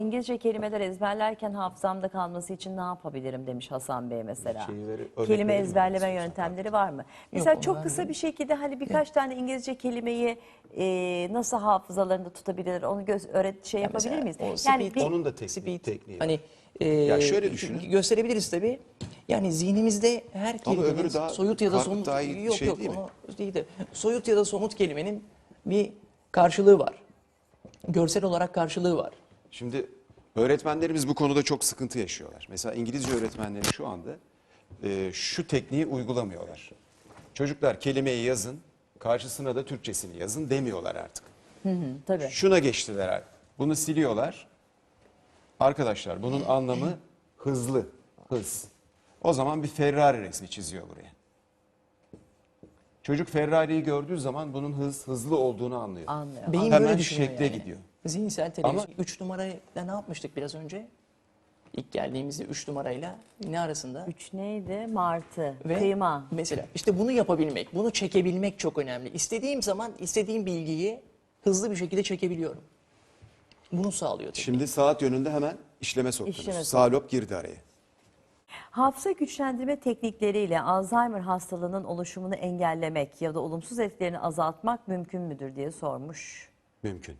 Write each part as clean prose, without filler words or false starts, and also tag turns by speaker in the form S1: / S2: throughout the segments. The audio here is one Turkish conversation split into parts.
S1: İngilizce kelimeler ezberlerken hafızamda kalması için ne yapabilirim demiş Hasan Bey mesela.
S2: Örnek
S1: Kelime
S2: verelim mi?
S1: ezberleme yöntemleri var mı? Mesela
S3: onu
S1: çok kısa bir şekilde hani birkaç tane İngilizce kelimeyi nasıl hafızalarında tutabilir onu yapabilir
S3: mesela
S1: miyiz?
S3: o
S1: Yani
S3: speed-
S1: bir
S2: Onun da tekniği var.
S3: Hani
S2: Ya şöyle düşünün.
S3: gösterebiliriz tabii. Yani zihnimizde her
S2: Ama
S3: kelimenin
S2: öbürü daha
S3: soyut ya da
S2: karput
S3: somut
S2: daha iyi
S3: yok
S2: şey
S3: yok
S2: değil mi?
S3: onu değil de soyut ya da somut kelimenin bir karşılığı var. Görsel olarak karşılığı var.
S2: Şimdi öğretmenlerimiz bu konuda çok sıkıntı yaşıyorlar. Mesela İngilizce öğretmenleri şu anda şu tekniği uygulamıyorlar. Çocuklar kelimeyi yazın, karşısına da Türkçesini yazın demiyorlar artık.
S1: tabii.
S2: Şuna geçtiler. Bunu siliyorlar. Arkadaşlar bunun anlamı hızlı, hız. O zaman bir Ferrari resmi çiziyor buraya. Çocuk Ferrari'yi gördüğü zaman bunun hızlı olduğunu anlıyor.
S1: Anlıyor.
S3: Beyin
S2: Hemen
S3: böyle düşünüyor
S2: şekle
S3: yani.
S2: gidiyor.
S3: Zihinsel televizyon.
S2: Ama-
S3: 3 numarayla ne yapmıştık biraz önce? İlk geldiğimizde 3 numarayla ne arasında?
S1: 3 neydi? Martı,
S3: Ve
S1: kıyma.
S3: mesela işte bunu yapabilmek, bunu çekebilmek çok önemli. İstediğim zaman istediğim bilgiyi hızlı bir şekilde çekebiliyorum. Bunu sağlıyor. Tabii.
S2: Şimdi saat yönünde hemen işleme soktunuz.
S1: İşleme
S2: Sağ lob girdi araya.
S1: Hafıza güçlendirme teknikleriyle Alzheimer hastalığının oluşumunu engellemek ya da olumsuz etkilerini azaltmak mümkün müdür diye sormuş.
S2: Mümkün.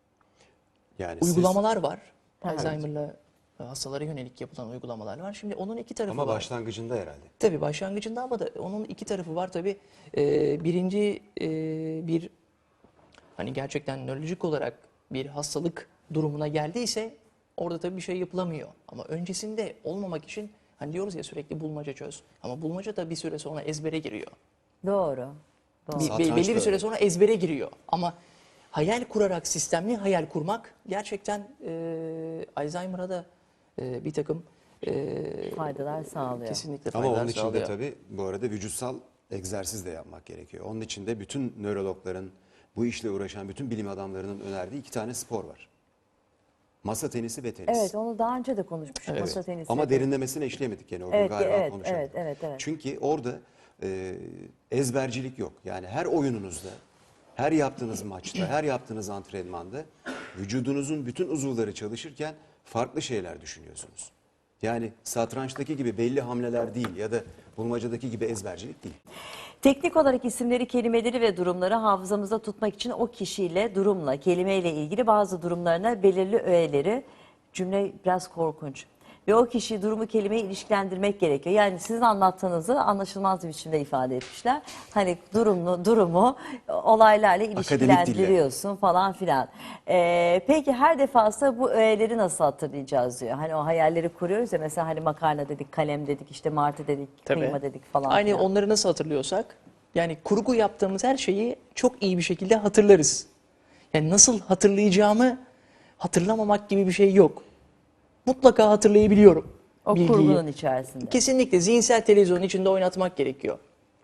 S2: Yani
S3: Uygulamalar var.
S1: Evet.
S3: Alzheimer'la hastalara yönelik yapılan uygulamalar var. Şimdi onun iki tarafı
S2: ama
S3: var.
S2: başlangıcında herhalde.
S3: Tabii başlangıcında ama da onun iki tarafı var tabii. Birinci bir hani gerçekten nörolojik olarak bir hastalık durumuna geldiyse orada tabii bir şey yapılamıyor. Ama öncesinde olmamak için hani diyoruz ya sürekli bulmaca çöz. Ama bulmaca da bir süre sonra ezbere giriyor.
S1: Doğru. Doğru.
S2: Satranç
S3: Belli
S2: da
S3: bir süre
S2: öyle.
S3: sonra ezbere giriyor. Ama hayal kurarak sistemli hayal kurmak gerçekten Alzheimer'a da bir takım
S1: Faydalar sağlıyor.
S3: kesinlikle
S2: Ama
S3: faydalar
S2: onun için de
S3: sağlıyor.
S2: tabii bu arada vücutsal egzersiz de yapmak gerekiyor. Onun için de bütün nörologların, bu işle uğraşan bütün bilim adamlarının önerdiği 2 tane spor var. Masa tenisi ve tenis.
S1: Evet, onu daha önce de konuşmuştuk. Masa tenisi.
S2: Ama derinlemesine işleyemedik gene o gün
S1: Evet,
S2: galiba
S1: evet,
S2: konuşamadık.
S1: evet.
S2: Çünkü orada ezbercilik yok. Yani her oyununuzda, her yaptığınız maçta, her yaptığınız antrenmanda vücudunuzun bütün uzuvları çalışırken farklı şeyler düşünüyorsunuz. Yani satrançtaki gibi belli hamleler değil ya da bulmacadaki gibi ezbercilik değil.
S1: Teknik olarak isimleri, kelimeleri ve durumları hafızamızda tutmak için o kişiyle, durumla, kelimeyle ilgili bazı durumlarına belirli öğeleri, cümle biraz korkunç. Ve o kişiyi, durumu, kelimeyi ilişkilendirmek gerekiyor. Yani sizin anlattığınızı anlaşılmaz bir biçimde ifade etmişler. Hani durumu olaylarla ilişkilendiriyorsun falan filan. Peki her defasında bu öğeleri nasıl hatırlayacağız diyor. Hani o hayalleri kuruyoruz ya, mesela hani makarna dedik, kalem dedik, işte martı dedik,
S3: Tabii.
S1: kıyma dedik falan
S3: Aynı
S1: filan.
S3: onları nasıl hatırlıyorsak yani kurgu yaptığımız her şeyi çok iyi bir şekilde hatırlarız. Yani nasıl hatırlayacağımı hatırlamamak gibi bir şey yok. Mutlaka hatırlayabiliyorum
S1: O
S3: bilgiyi.
S1: kurgunun içerisinde.
S3: Kesinlikle zihinsel televizyonun içinde oynatmak gerekiyor.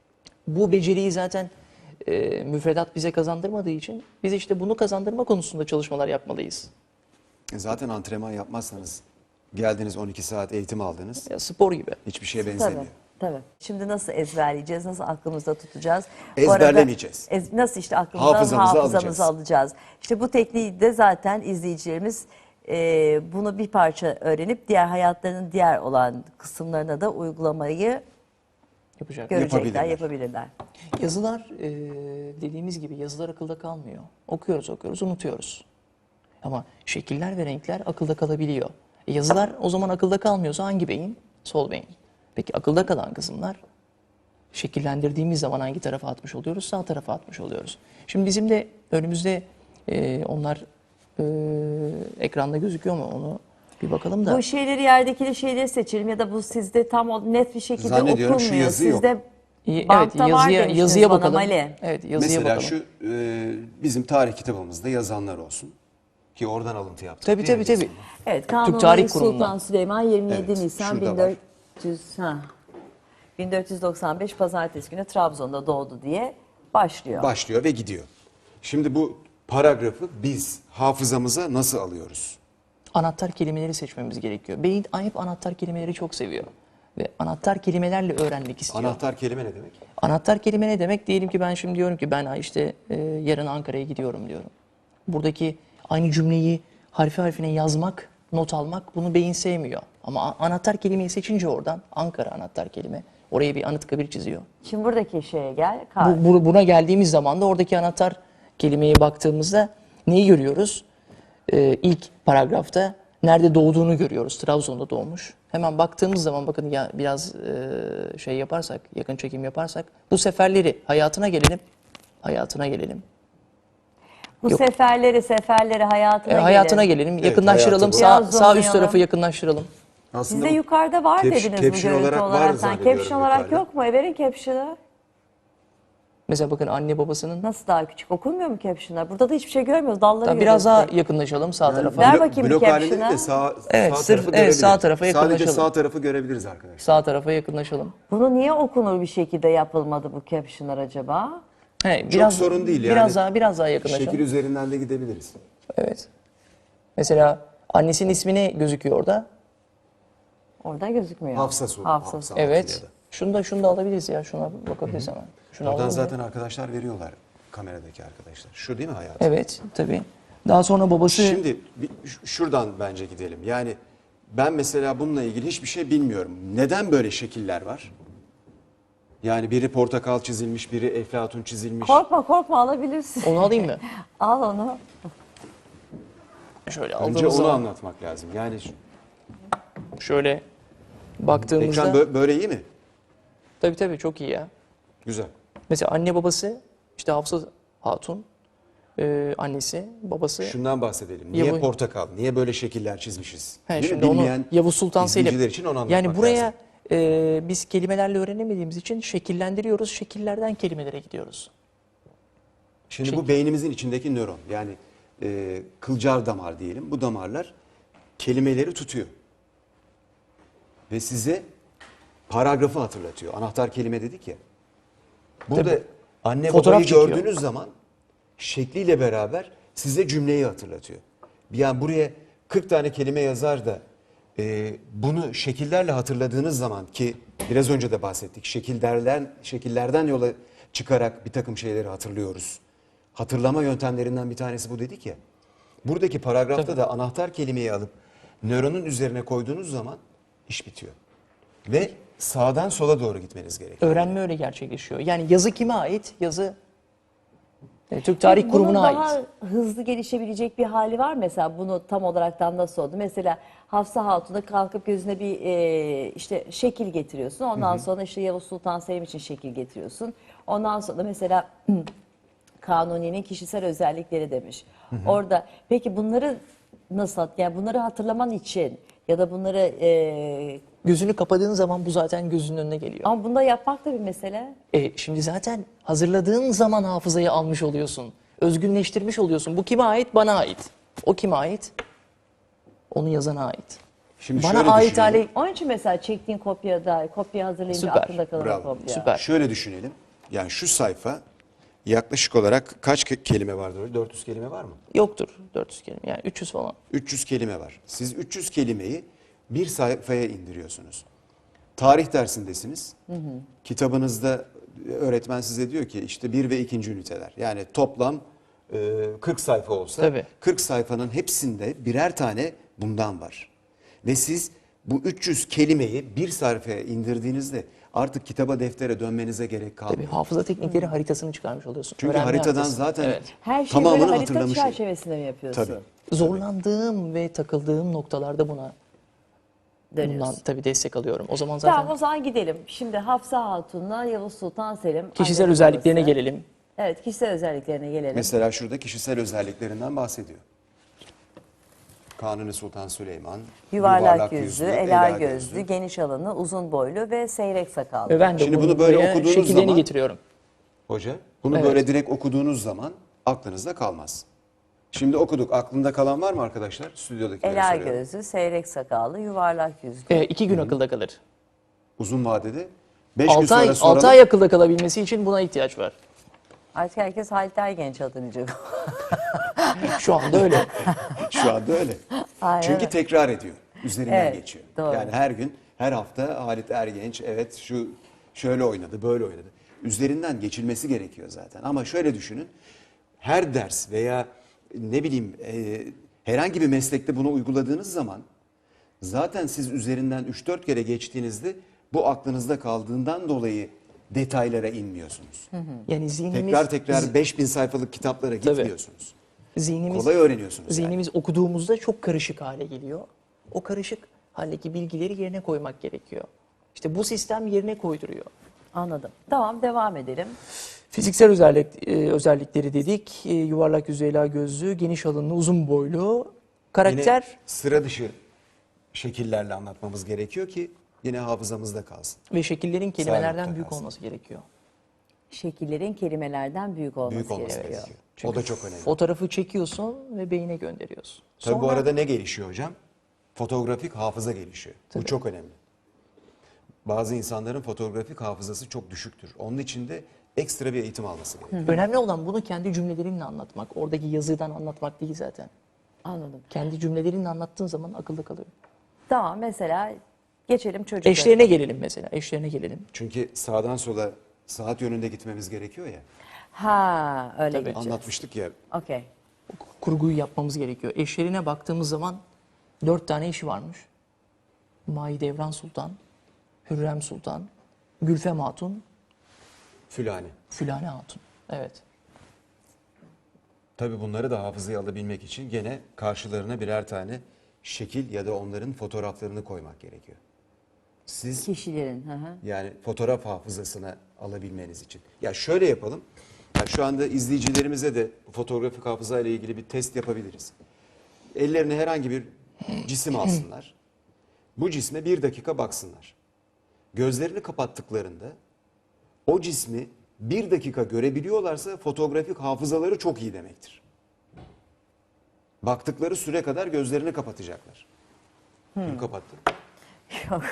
S3: Bu beceriyi zaten müfredat bize kazandırmadığı için biz işte bunu kazandırma konusunda çalışmalar yapmalıyız.
S2: Zaten antrenman yapmazsanız geldiniz 12 saat eğitim aldınız.
S3: Ya spor gibi.
S2: Hiçbir şeye
S1: Tabii,
S2: benzemiyor.
S1: tabii. Şimdi nasıl ezberleyeceğiz, nasıl aklımızda tutacağız?
S2: Ezberlemeyeceğiz.
S1: Bu arada nasıl işte aklımızdan
S2: Hafızamıza
S1: hafızamızı alacağız. İşte bu tekniği de zaten izleyicilerimiz bunu bir parça öğrenip diğer hayatlarının diğer olan kısımlarına da uygulamayı
S3: Yapacak.
S1: görecekler,
S2: Yapabilirler.
S1: yapabilirler.
S3: Yazılar dediğimiz gibi yazılar akılda kalmıyor. Okuyoruz, unutuyoruz. Ama şekiller ve renkler akılda kalabiliyor. Yazılar o zaman akılda kalmıyorsa hangi beyin? Sol beyin. Peki akılda kalan kısımlar şekillendirdiğimiz zaman hangi tarafa atmış oluyoruz? Sağ tarafa atmış oluyoruz. Şimdi bizim de önümüzde onlar ekranda gözüküyor mu onu bir bakalım da.
S1: Bu şeyleri, yerdeki şeyleri seçelim ya da bu sizde tam net bir şekilde
S2: Zannediyorum şu
S1: okunmuyor.
S2: yazı yok.
S1: Sizde
S3: Evet,
S1: bantta var demiştiniz
S3: yazıya
S1: bana
S3: bakalım.
S1: Mali.
S3: Evet, yazıya
S2: Mesela
S3: bakalım.
S2: şu bizim tarih kitabımızda yazanlar olsun. Ki oradan alıntı yaptık.
S3: Tabii
S2: değil mi
S3: tabii
S2: biz
S3: tabii.
S2: bunu?
S1: Evet,
S3: Tarih
S1: Kanuni Sultan
S3: Kurumu'ndan.
S1: Süleyman 27
S2: Evet,
S1: Nisan
S2: şurada var.
S1: 1495 Pazartesi günü Trabzon'da doğdu diye başlıyor.
S2: Başlıyor ve gidiyor. Şimdi bu paragrafı biz hafızamıza nasıl alıyoruz?
S3: Anahtar kelimeleri seçmemiz gerekiyor. Beyin hep anahtar kelimeleri çok seviyor. Ve anahtar kelimelerle öğrenmek istiyor.
S2: Anahtar kelime ne demek?
S3: Anahtar kelime ne demek? Diyelim ki ben şimdi diyorum ki ben işte yarın Ankara'ya gidiyorum diyorum. Buradaki aynı cümleyi harfi harfine yazmak not almak bunu beyin sevmiyor. Ama anahtar kelimeyi seçince oradan Ankara anahtar kelime. Oraya bir Anıtkabir çiziyor.
S1: Şimdi buradaki şeye gel. Kar.
S3: Buna geldiğimiz zaman da oradaki anahtar kelimeye baktığımızda neyi görüyoruz? İlk paragrafta nerede doğduğunu görüyoruz. Trabzon'da doğmuş. Hemen baktığımız zaman bakın ya biraz şey yaparsak, yakın çekim yaparsak bu seferleri hayatına gelelim. Hayatına gelelim.
S1: Bu
S3: Yok.
S1: seferleri
S3: Hayatına
S1: gelin.
S3: gelelim.
S2: Evet,
S3: yakınlaştıralım.
S2: hayatı
S3: Sağ
S1: Biraz
S3: üst
S1: zoomlayalım.
S3: tarafı yakınlaştıralım.
S1: Sizde yukarıda var dediniz bu
S2: caption
S1: görüntü
S2: olarak
S1: olarak.
S2: var
S1: Sen
S2: zannediyorum
S1: caption olarak
S2: yukarıda.
S1: yok mu? Verin caption'ı.
S3: Mesela bakın anne babasının.
S1: Nasıl daha küçük? Okunmuyor mu caption'lar? Burada da hiçbir şey görmüyoruz. Dalları
S3: Tamam,
S1: görüyoruz.
S3: biraz daha yakınlaşalım sağ tarafa.
S1: Ver bakayım
S2: blok
S1: caption'a.
S2: halinde değil de sağ
S3: Evet,
S2: sağ
S3: sırf-
S2: tarafı
S3: evet,
S2: görebiliriz.
S3: sağ tarafa
S2: Sadece
S3: yakınlaşalım.
S2: sağ tarafı görebiliriz arkadaşlar.
S3: Sağ tarafa yakınlaşalım.
S1: Bunu niye okunur bir şekilde yapılmadı bu caption'lar acaba?
S3: Biraz,
S2: sorun değil yani.
S3: Biraz daha yakınlaşalım.
S2: Şekil üzerinden de gidebiliriz.
S3: Evet. Mesela annesinin ismi ne gözüküyor orada?
S1: Orada gözükmüyor.
S2: Hafsa soru.
S1: Hafsa.
S2: Hafsa
S3: Evet.
S2: Atilla'da.
S3: Şunu da alabiliriz ya. Şuna bakabiliriz hemen. Şunu
S2: Oradan
S3: alalım.
S2: zaten arkadaşlar veriyorlar. Kameradaki arkadaşlar. Şu değil mi hayatım?
S3: Evet, tabii. Daha sonra babası
S2: Şimdi şuradan bence gidelim. Yani ben mesela bununla ilgili hiçbir şey bilmiyorum. Neden böyle şekiller var? Yani biri portakal çizilmiş, biri eflatun çizilmiş.
S1: Korkma alabilirsin.
S3: onu alayım mı?
S1: Al onu.
S3: Şöyle
S2: Önce
S3: aldığımız
S2: onu
S3: zaman
S2: anlatmak lazım. Yani
S3: şöyle baktığımızda
S2: ekran böyle iyi mi?
S3: tabii çok iyi ya.
S2: Güzel.
S3: Mesela anne babası işte Hafsa Hatun, annesi, babası.
S2: Şundan bahsedelim. Niye
S3: Ya bu-
S2: portakal? Niye böyle şekiller çizmişiz?
S3: He,
S2: Değil mi?
S3: şimdi onu
S2: Bilmeyen
S3: Yavuz Sultan Selim.
S2: izleyiciler için onu anlatmak
S3: Yani buraya
S2: lazım.
S3: biz kelimelerle öğrenemediğimiz için şekillendiriyoruz. Şekillerden kelimelere gidiyoruz.
S2: Şimdi bu beynimizin içindeki nöron. Yani kılcal damar diyelim. Bu damarlar kelimeleri tutuyor. Ve size paragrafı hatırlatıyor. Anahtar kelime dedik ya. Burada
S3: Tabii.
S2: anne
S3: Fotoğraf
S2: babayı
S3: çekiyor.
S2: gördüğünüz zaman şekliyle beraber size cümleyi hatırlatıyor. Yani buraya 40 tane kelime yazar da bunu şekillerle hatırladığınız zaman ki biraz önce de bahsettik. Şekillerden yola çıkarak bir takım şeyleri hatırlıyoruz. Hatırlama yöntemlerinden bir tanesi bu dedik ya. Buradaki paragrafta da anahtar kelimeyi alıp nöronun üzerine koyduğunuz zaman iş bitiyor. Ve sağdan sola doğru gitmeniz gerekiyor.
S3: Öğrenme öyle gerçekleşiyor. Yani yazı kime ait? Yazı Türk Tarih
S1: Bunun
S3: Kurumu'na
S1: daha
S3: ait.
S1: hızlı gelişebilecek bir hali var mesela bunu tam olaraktan nasıl oldu? Mesela Hafsa Hatun'a kalkıp gözüne bir işte şekil getiriyorsun. Ondan sonra işte Yavuz Sultan Selim için şekil getiriyorsun. Ondan sonra mesela Kanuni'nin kişisel özellikleri demiş. Orada peki bunları nasıl yani bunları hatırlaman için ya da bunları
S3: Gözünü kapadığın zaman bu zaten gözünün önüne geliyor.
S1: ama bunda yapmak da bir mesele.
S3: Şimdi zaten hazırladığın zaman hafızayı almış oluyorsun. Özgünleştirmiş oluyorsun. Bu kime ait? Bana ait. O kime ait? Onu yazana ait.
S2: Şimdi
S3: Bana
S2: şöyle
S3: ait
S2: düşünelim.
S3: hale
S1: Onun için mesela çektiğin kopya hazırlayınca
S3: Süper,
S1: aklında kalan
S2: Bravo.
S1: kopya.
S3: Süper.
S2: Şöyle düşünelim. Yani şu sayfa yaklaşık olarak kaç kelime vardır? Öyle 400 kelime var mı?
S3: Yoktur 400 kelime. Yani 300 falan.
S2: 300 kelime var. Siz 300 kelimeyi bir sayfaya indiriyorsunuz. Tarih dersindesiniz. Kitabınızda öğretmen size diyor ki işte 1 ve 2. üniteler. Yani toplam 40 sayfa olsa
S3: Tabii.
S2: 40 sayfanın hepsinde birer tane bundan var. Ve siz bu 300 kelimeyi bir sayfaya indirdiğinizde artık kitaba deftere dönmenize gerek
S3: Tabii
S2: kalmıyor.
S3: hafıza teknikleri haritasını çıkarmış oluyorsun.
S2: Çünkü
S3: Öğrenme
S2: haritadan
S3: haritası.
S2: zaten
S3: Evet.
S1: Her şeyi
S2: tamamını
S1: böyle harita
S2: hatırlamış oluyor.
S1: çerçevesinde mi yapıyorsun?
S2: Tabii.
S3: Zorlandığım ve takıldığım noktalarda bundan
S1: Dönüyorsun.
S3: tabii destek alıyorum. O zaman zaten
S1: Tamam o zaman gidelim. Şimdi Hafsa Hatun'la Yavuz Sultan Selim.
S3: kişisel
S1: anne
S3: özelliklerine
S1: babası.
S3: gelelim.
S1: Evet kişisel özelliklerine gelelim.
S2: Mesela şurada kişisel özelliklerinden bahsediyor. Kanuni Sultan Süleyman,
S1: Yuvarlak yüzlü, ela gözlü, geniş alınlı, uzun boylu ve seyrek sakallı.
S3: Ve ben de
S2: Şimdi bunu böyle
S3: buraya
S2: okuduğunuz
S3: şekillerini
S2: zaman-
S3: getiriyorum.
S2: Hoca, bunu
S3: Evet.
S2: böyle direkt okuduğunuz zaman aklınızda kalmaz. Şimdi okuduk. Aklında kalan var mı arkadaşlar? Stüdyodakilere
S1: Ela
S2: soruyorum.
S1: gözlü, seyrek sakallı, yuvarlak yüzlü.
S3: 2 gün akılda kalır.
S2: Uzun vadede 5 gün
S3: 6 ay,
S2: sonra soralım.
S3: 6 ay akılda kalabilmesi için buna ihtiyaç var.
S1: Artık herkes Halit Ergenç adınacak.
S3: Şu anda öyle.
S2: Şu anda öyle.
S1: Aynen.
S2: Çünkü tekrar ediyor. Üzerinden
S1: Evet,
S2: geçiyor.
S1: doğru.
S2: Yani her gün, her hafta Halit Ergenç evet şu şöyle oynadı, böyle oynadı. Üzerinden geçilmesi gerekiyor zaten. Ama şöyle düşünün. Her ders veya ne bileyim Herhangi bir meslekte bunu uyguladığınız zaman zaten siz üzerinden 3-4 kere geçtiğinizde bu aklınızda kaldığından dolayı detaylara inmiyorsunuz.
S3: Yani zihnimiz,
S2: Tekrar 5000 sayfalık kitaplara gitmiyorsunuz.
S3: zihnimiz,
S2: Kolay öğreniyorsunuz. yani.
S3: zihnimiz okuduğumuzda çok karışık hale geliyor. O karışık haldeki bilgileri yerine koymak gerekiyor. İşte bu sistem yerine koyduruyor.
S1: Anladım. Tamam, devam edelim.
S3: Fiziksel özellikleri dedik. Yuvarlak yüzeyli gözlü, geniş alınlı, uzun boylu. Karakter
S2: Yine sıra dışı şekillerle anlatmamız gerekiyor ki yine hafızamızda kalsın.
S3: ve şekillerin kelimelerden
S2: Sağlıkta
S3: büyük
S2: kalsın.
S3: olması gerekiyor.
S1: Şekillerin kelimelerden büyük olması,
S2: Büyük olması
S1: gerekiyor.
S2: gerekiyor. O da çok önemli.
S3: Fotoğrafı çekiyorsun ve beyine gönderiyorsun.
S2: Tabii bu
S3: Sonra-
S2: arada ne gelişiyor hocam? Fotoğrafik hafıza gelişiyor. Bu çok önemli. Bazı insanların fotoğrafik hafızası çok düşüktür. Onun için de ekstra bir eğitim alması gerekiyor.
S3: Önemli olan bunu kendi cümlelerinle anlatmak. Oradaki yazıdan anlatmak değil zaten.
S1: Anladım.
S3: Kendi cümlelerinle anlattığın zaman akılda kalıyor.
S1: Tamam, mesela geçelim çocuklara.
S3: Eşlerine gelelim mesela. Eşlerine gelelim.
S2: Çünkü sağdan sola saat yönünde gitmemiz gerekiyor ya.
S1: Ha, öyle
S3: Tabii.
S1: gideceğiz.
S2: Anlatmıştık ya.
S1: Okey.
S3: Kurguyu yapmamız gerekiyor. Eşlerine baktığımız zaman 4 tane eşi varmış. Mahidevran Sultan, Hürrem Sultan, Gülfem Hatun,
S2: Fülani.
S3: Fülane Hatun. Evet.
S2: Tabii bunları da hafızaya alabilmek için gene karşılarına birer tane şekil ya da onların fotoğraflarını koymak gerekiyor. Siz
S1: Kişilerin. Hı hı.
S2: yani fotoğraf hafızasına alabilmeniz için. Ya şöyle yapalım. Ya şu anda izleyicilerimize de fotoğrafik hafıza ile ilgili bir test yapabiliriz. Ellerine herhangi bir cisim alsınlar. Bu cisme 1 dakika baksınlar. Gözlerini kapattıklarında o cismi 1 dakika görebiliyorlarsa fotoğrafik hafızaları çok iyi demektir. Baktıkları süre kadar gözlerini kapatacaklar. Kim kapattı?
S1: Yok.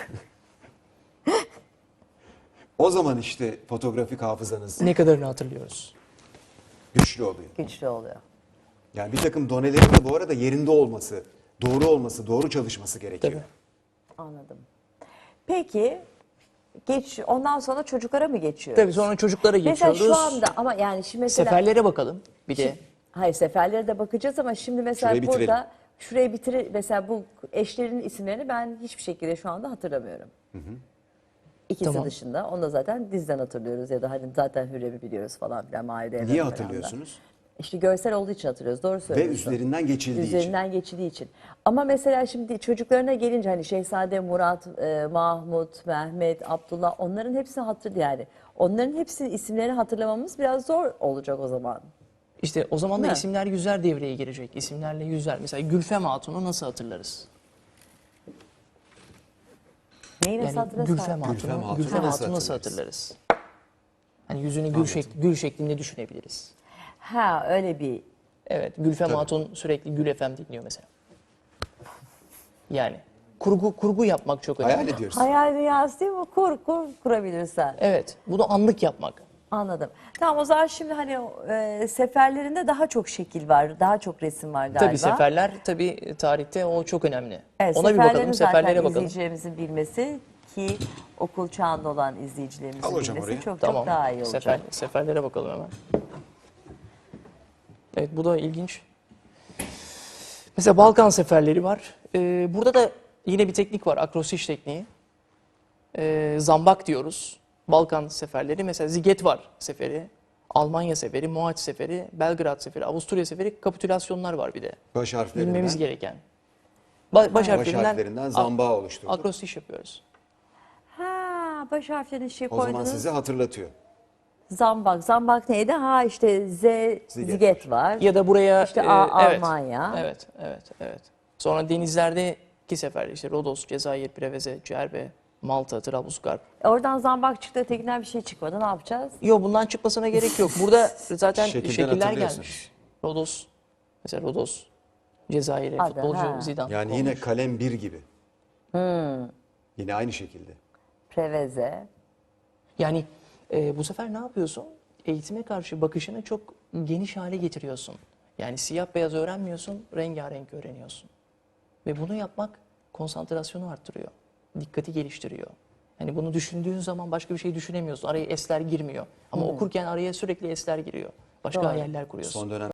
S2: O zaman işte fotoğrafik hafızanız
S3: Ne kadarını hatırlıyoruz?
S2: güçlü oluyor.
S1: Güçlü oluyor.
S2: Yani bir takım donelerin de bu arada yerinde olması, doğru çalışması gerekiyor.
S3: Tabii.
S1: Anladım. Peki ondan sonra çocuklara mı geçiyoruz?
S3: Tabii sonra çocuklara
S1: Mesela
S3: geçiyoruz.
S1: şu anda ama yani şimdi mesela
S3: Seferlere bakalım bir de.
S1: hayır, seferlere de bakacağız ama şimdi mesela
S2: Şurayı bitirelim.
S1: burada şurayı bitirir, mesela bu eşlerin isimlerini ben hiçbir şekilde şu anda hatırlamıyorum. İkisi
S3: Tamam.
S1: dışında. Onu da zaten dizden hatırlıyoruz ya da hani zaten Hürrem'i biliyoruz falan filan. Mahide Evren
S2: Niye
S1: falan da.
S2: hatırlıyorsunuz?
S1: İşte görsel olduğu için hatırlıyoruz. Doğru
S2: Ve
S1: söylüyorsun.
S2: üzerinden geçildiği için.
S1: Üzerinden geçildiği için. Ama mesela şimdi çocuklarına gelince hani Şehzade Murat, Mahmut, Mehmet, Abdullah, onların hepsini yani. Onların hepsinin isimlerini hatırlamamız biraz zor olacak o zaman.
S3: İşte o zaman da
S1: Ne?
S3: isimler yüzler devreye girecek. İsimlerle yüzler. Mesela Gülfem Hatun'u nasıl hatırlarız?
S1: Neyi nasıl
S3: Yani
S1: hatırlasın?
S3: Gülfem
S2: Hatun'u
S3: Hatun'u
S2: nasıl
S3: nasıl
S2: hatırlarız?
S3: hatırlarız? Hani yüzünü gül şeklinde düşünebiliriz.
S1: Ha, öyle bir.
S3: Evet, Gülfem
S2: Tabii.
S3: Hatun sürekli Gül FM dinliyor mesela. Yani kurgu yapmak çok önemli.
S2: Hayal ediyoruz.
S1: Hayal dünyası değil mi? Kurabilirsen.
S3: Evet, bunu anlık yapmak.
S1: Anladım. Tamam, o zaman şimdi hani seferlerinde daha çok şekil var, daha çok resim var galiba.
S3: Tabii seferler, tabii tarihte o çok önemli.
S1: Evet,
S3: Ona bir
S1: seferlerin
S3: bakalım,
S1: zaten
S3: seferlere bakalım.
S1: izleyicilerimizin bilmesi ki okul çağında olan izleyicilerimizin
S2: Al hocam
S1: bilmesi
S2: oraya.
S1: çok
S3: Tamam,
S1: çok daha iyi olacak.
S3: seferlere bakalım hemen. Evet, bu da ilginç. Mesela Balkan seferleri var. Burada da yine bir teknik var, akrostiş tekniği. Zambak diyoruz. Balkan seferleri, mesela Ziget seferi, Almanya seferi, Mohaç seferi, Belgrad seferi, Avusturya seferi, kapitülasyonlar var bir de.
S2: Baş harflerinden,
S3: Bilmemiz gereken. Baş
S2: baş
S3: harflerinden
S2: harflerinden zambağı oluşturduk.
S3: akrostiş yapıyoruz.
S1: Ha, baş harflerini
S2: O zaman
S1: koydunuz.
S2: size hatırlatıyor.
S1: Zambak. Zambak neydi? Ha, işte Ziget var.
S3: Ya da buraya
S1: İşte
S3: evet,
S1: Almanya.
S3: Evet. Sonra denizlerdeki seferler işte Rodos, Cezayir, Preveze, Cerbe, Malta, Trablusgarp.
S1: Oradan zambak çıktı, ötekinden bir şey çıkmadı. Ne yapacağız?
S3: Yok, bundan çıkmasına gerek yok. Burada zaten
S2: Şekilden
S3: şekiller
S2: hatırlıyorsunuz.
S3: gelmiş. Rodos, mesela Rodos, Cezayir'e
S1: Hadi,
S3: futbolcu
S1: ha.
S3: Zidane.
S2: Yani yine kalem 1 gibi. Yine aynı şekilde.
S1: Preveze.
S3: Yani bu sefer ne yapıyorsun? Eğitime karşı bakışını çok geniş hale getiriyorsun. Yani siyah beyaz öğrenmiyorsun, rengarenk öğreniyorsun. Ve bunu yapmak konsantrasyonu arttırıyor. Dikkati geliştiriyor. Yani bunu düşündüğün zaman başka bir şey düşünemiyorsun. Araya esler girmiyor. Ama okurken araya sürekli esler giriyor. Başka
S1: Doğru.
S3: hayaller kuruyorsun.
S2: Son dönem